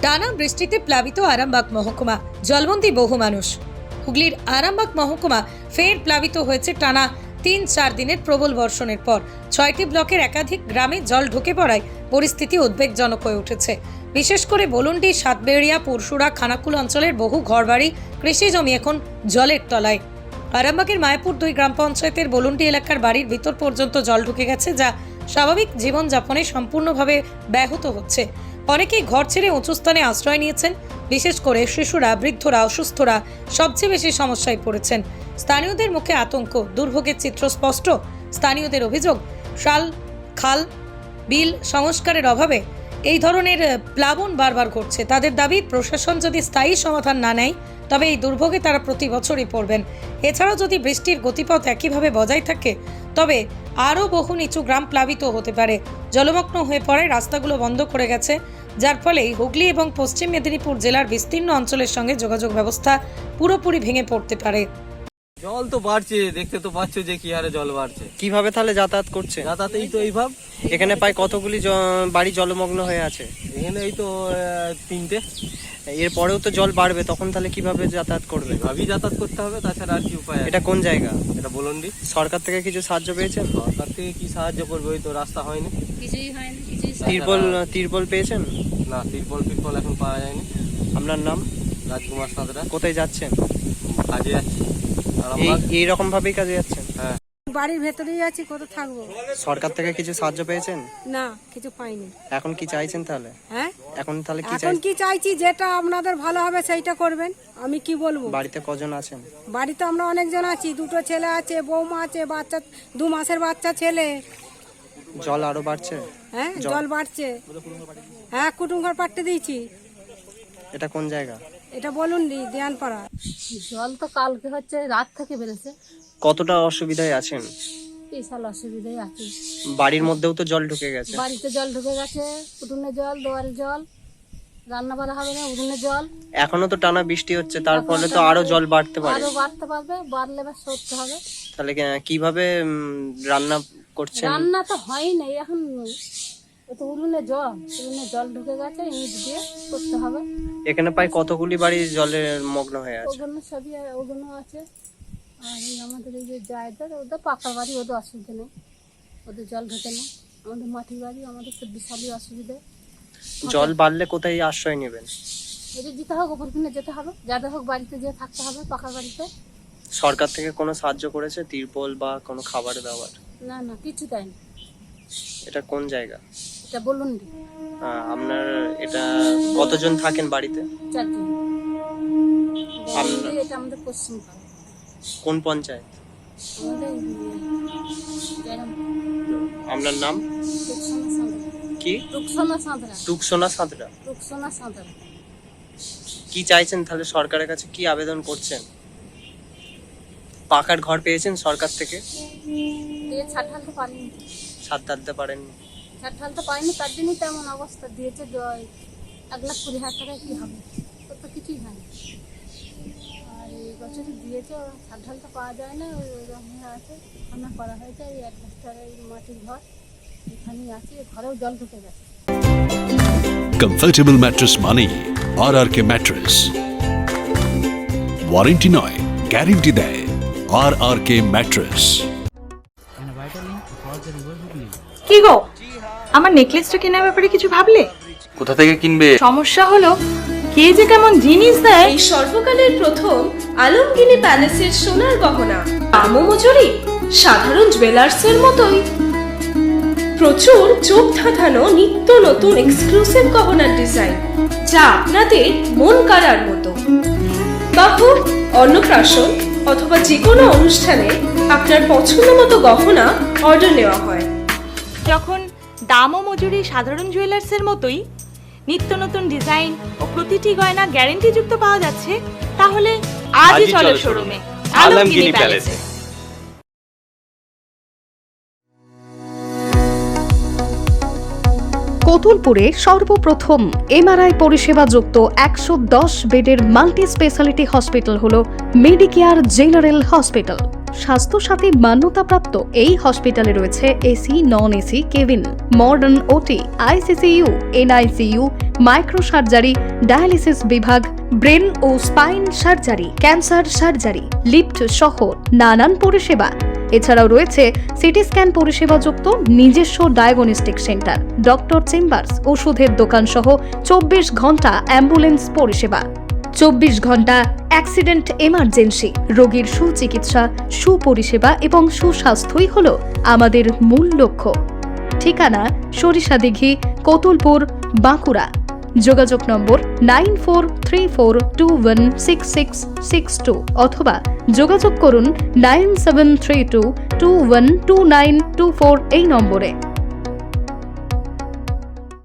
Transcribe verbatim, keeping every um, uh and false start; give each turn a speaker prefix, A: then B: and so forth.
A: টানা বৃষ্টিতে প্লাবিত আরামবাগ মহকুমা, জলবন্দী বহু মানুষ। হুগলির আরামবাগ মহকুমা ফের প্লাবিত হয়েছে টানা তিন চার দিনের প্রবল বর্ষণের পর। ছয়টি ব্লকের একাধিক গ্রামে জল ঢুকে পড়ায় পরিস্থিতি উদ্বেগজনক হয়ে উঠেছে। বিশেষ করে বলুন্ডি, সাতবেড়িয়া, পুরসুরা, খানাকুল অঞ্চলের বহু ঘরবাড়ি, কৃষি জমি এখন জলের তলায়। আরামবাগের মায়াপুর দুই গ্রাম পঞ্চায়েতের বলুন্ডি এলাকার বাড়ির ভিতর পর্যন্ত জল ঢুকে গেছে, যা স্বাভাবিক জীবনযাপনে সম্পূর্ণভাবে ব্যাহত হচ্ছে। অনেকেই ঘর ছেড়ে উঁচু স্থানে আশ্রয় নিয়েছেন। বিশেষ করে শিশুরা, বৃদ্ধরা, অসুস্থরা সবচেয়ে বেশি সমস্যায় পড়েছেন। স্থানীয়দের মুখে আতঙ্ক, দুর্ভোগের চিত্র স্পষ্ট। স্থানীয়দের অভিযোগ, শাল, খাল, বিল সংস্কারের অভাবে এই ধরনের প্লাবন বারবার ঘটছে। তাদের দাবি, প্রশাসন যদি স্থায়ী সমাধান না নেয় তবে এই দুর্ভোগে তারা প্রতি বছরই পড়বেন। এছাড়াও যদি বৃষ্টির গতিপথ একইভাবে বজায় থাকে তবে আরও বহু নিচু গ্রাম প্লাবিত হতে পারে। জলমগ্ন হয়ে পড়ায় রাস্তাগুলো বন্ধ করে গেছে, যার ফলে হুগলি এবং পশ্চিম মেদিনীপুর জেলার বিস্তীর্ণ অঞ্চলের সঙ্গে যোগাযোগ ব্যবস্থা পুরোপুরি ভেঙে পড়তে পারে।
B: জল তো বাড়ছে, দেখতে তো পাচ্ছ যে কি হারে জল বাড়ছে।
C: কিভাবে তাহলে যাতায়াত করছে?
B: যাতায়াত এই তো এইভাব।
C: এখানে প্রায় কতগুলি জ- বাড়ি জলমগ্ন হয়ে আছে?
B: এখানে এই তো আহ, তিনটে।
C: এরপরেও তো জল বাড়বে, তখন তাহলে কিভাবে যাতায়াত করবে?
B: এইভাবেই যাতায়াত করতে হবে, তাছাড়া আর কি উপায় আছে?
C: এটা কোন জায়গা?
B: এটা বলুন্ডি।
C: সরকার থেকে কিছু সাহায্য পেয়েছেন?
B: সরকার থেকে কি সাহায্য করবে? ওই তো রাস্তা হয়নি,
D: কিছুই হয়নি, কিছুই
C: তিরপল তিরপল পেয়েছেন?
B: না, তিরপল ফিরপল এখন পাওয়া যায়নি।
C: আপনার নাম?
B: রাজকুমার সাঁতরা।
C: কোথায় যাচ্ছেন?
B: কাজে যাচ্ছি
C: এই
B: আরামবাগ।
C: এইরকম ভাবেই কাজে যাচ্ছেন?
B: হ্যাঁ।
D: বাড়ির ভেতরেই আছি, কত থাকবো?
C: সরকার থেকে কিছু সাহায্য পেয়েছেন?
D: না, কিছু পাইনি।
C: এখন কি চাইছেন তাহলে?
D: হ্যাঁ,
C: এখন তাহলে কি
D: এখন
C: চাই?
D: কি চাইছি, যেটা আপনাদের ভালো হবে সেইটা করবেন। আমি কি বলবো?
C: বাড়িতে কজন আছেন?
D: বাড়িতে আমরা অনেকজন আছি, দুটো ছেলে আছে, বৌমা আছে, বাচ্চা দু মাসের বাচ্চা ছেলে।
C: জল আরো বাড়ছে?
D: হ্যাঁ, জল বাড়ছে। হ্যাঁ, কুটুম ঘর পাঠতে দিয়েছি।
C: এটা কোন জায়গা?
D: এটা বলুন দেয়ানপাড়া।
E: জল তো কালকে হচ্ছে রাত থেকে বেড়েছে,
C: কতটা অসুবিধায় আছেন?
E: বিশাল অসুবিধায় আছি।
C: বাড়ির মধ্যেও তো জল ঢুকে গেছে।
E: বাড়িতে জল ঢুকে গেছে, উঠোনে জল, দোয়ারে জল, রান্না বাড়া হবে না, উঠোনে জল।
C: এখনো তো টানা বৃষ্টি হচ্ছে, তার ফলে তো আরো জল বাড়তে পারে।
E: আরো বাড়তে পারবে, বাড়লে এবার সরতে হবে।
C: তাহলে কি- কিভাবে উম, রান্না করছেন?
E: রান্না তো হয় নাই এখন, ও তো উঠোনে জল, উঠোনে জল ঢুকে গেছে, ইট দিয়ে করতে হবে।
C: এখানে প্রায় কতগুলি বাড়ি জলের মগ্ন হয়ে আছে?
E: ওগুলো সবই, ওগুলো আছে। আর এই আমাদের এই যে জায়গার, ওদের পাকা বাড়ি, ওদের অসুবিধা নেই, ওদের জল ঢোকে না। আমাদের মাটির বাড়ি, আমাদের তো বিশালই অসুবিধা।
C: জল বাড়লে কোথায় আশ্রয় নেবেন?
E: যদি যেতে হোক ওপর কিনে যেতে হবে, যাদের হোক বাড়িতে যেয়ে থাকতে হবে, পাকা বাড়িতে।
C: সরকার থেকে কোনো সাহায্য করেছে, তিরপল বা কোনো খাবার দাবার?
E: না না, কিছু দেয়নি।
C: এটা কোন জায়গা?
E: এটা বলুন নি,
C: আহ, আপনার এটা কতজন থাকেন বাড়িতে?
E: চারজন।
C: আপনার-
E: এটা আমাদের পশ্চিম পাড়া,
C: কোন পঞ্চায়েত?
E: আমাদের জয়রাম
C: আপনার নাম
E: রুকসানা সাঁতরা।
C: কি?
E: রুকসানা সাঁতরা,
C: টুকসোনা সাঁতরা।
E: রুকসানা সাঁতরা।
C: কি চাইছেন তাহলে? সরকারের কাছে কি আবেদন করছেন? পাকার ঘর পেয়েছেন সরকার থেকে?
E: দিয়ে ছাট ঢালতে পারিনি,
C: ছাদ ঢালতে পারেননি?
E: ছাট ঢালতে পারিনি, তার জন্যই তেমন অবস্থা দিয়েছে। দ- এক লাখ কুড়ি হাজার টাকায় কী হবে? তো তো কিছুই হয়নি। আর এই বছরই দিয়েছে, ছাট ঢালতে পাওয়া যায় না, ওই ওরকম হয়ে আছে। রান্না করা হয়েছে, এই এক বছর এই মাটির ঘর এখানেই আছে, ঘরেও জল ঢুকে গেছে।
F: কমফর্টেবল ম্যাট্রেস মানেই R R K mattress. Warranty নয়, গ্যারেন্টি দেয় আর আর কে ম্যাট্রেস।
G: কি গো, আমার নেকলেসটা কেনার ব্যাপারে কিছু ভাবলে?
H: কোথা থেকে কিনবে?
G: সমস্যা হলো কে যে কেমন জিনিস দেয়।
I: এই সর্বকালের প্রথম আলমগিনি প্যালেসের সোনার গহনা, দামও মজুরি সাধারণ জুয়েলার্সের মতোই। প্রচুর চোখ ধাঁধানো নিত্য নতুন এক্সক্লুসিভ গহনার ডিজাইন, যা আপনাদের মন কাড়ার মতো। বাহ, অন্নপ্রাশন অথবা যে কোনো অনুষ্ঠানে আপনার পছন্দ মতো গহনা অর্ডার নেওয়া হয়।
G: যখন দাম ও মজুরি সাধারণ জুয়েলার্সের মতোই, নিত্য নতুন ডিজাইন ও প্রতিটি গয়না গ্যারেন্টি যুক্ত পাওয়া যাচ্ছে, তাহলে আজই চলো শোরুমে আলমগিনি প্যালেসে।
J: কতুলপুরে সর্বপ্রথম এমআরআই পরিষেবা যুক্ত একশো দশ বেডের মাল্টি স্পেশালিটি হসপিটাল হল মেডিকেয়ার জেনারেল হসপিটাল। স্বাস্থ্যসাথী মান্যতাপ্রাপ্ত এই হসপিটালে রয়েছে AC, non AC cabin, modern OT, ICCU, NICU, micro surgery, dialysis বিভাগ, ব্রেন ও spine surgery, cancer surgery, lift সহ নানান পরিষেবা। এছাড়াও রয়েছে সিটি স্ক্যান পরিষেবাযুক্ত নিজস্ব ডায়াগনস্টিক সেন্টার, ডক্টর চেম্বার্স, ওষুধের দোকান সহ চব্বিশ ঘন্টা অ্যাম্বুলেন্স পরিষেবা, চব্বিশ ঘন্টা অ্যাক্সিডেন্ট এমার্জেন্সি। রোগীর সুচিকিৎসা, সুপরিষেবা এবং সুস্বাস্থ্যই হল আমাদের মূল লক্ষ্য। ঠিকানা সরিষাদিঘি, কতুলপুর, বাঁকুড়া। যোগাযোগ number nine four three four two one six six six two অথবা যোগাযোগ করুন nine seven three two two one two nine two four এই নম্বরে।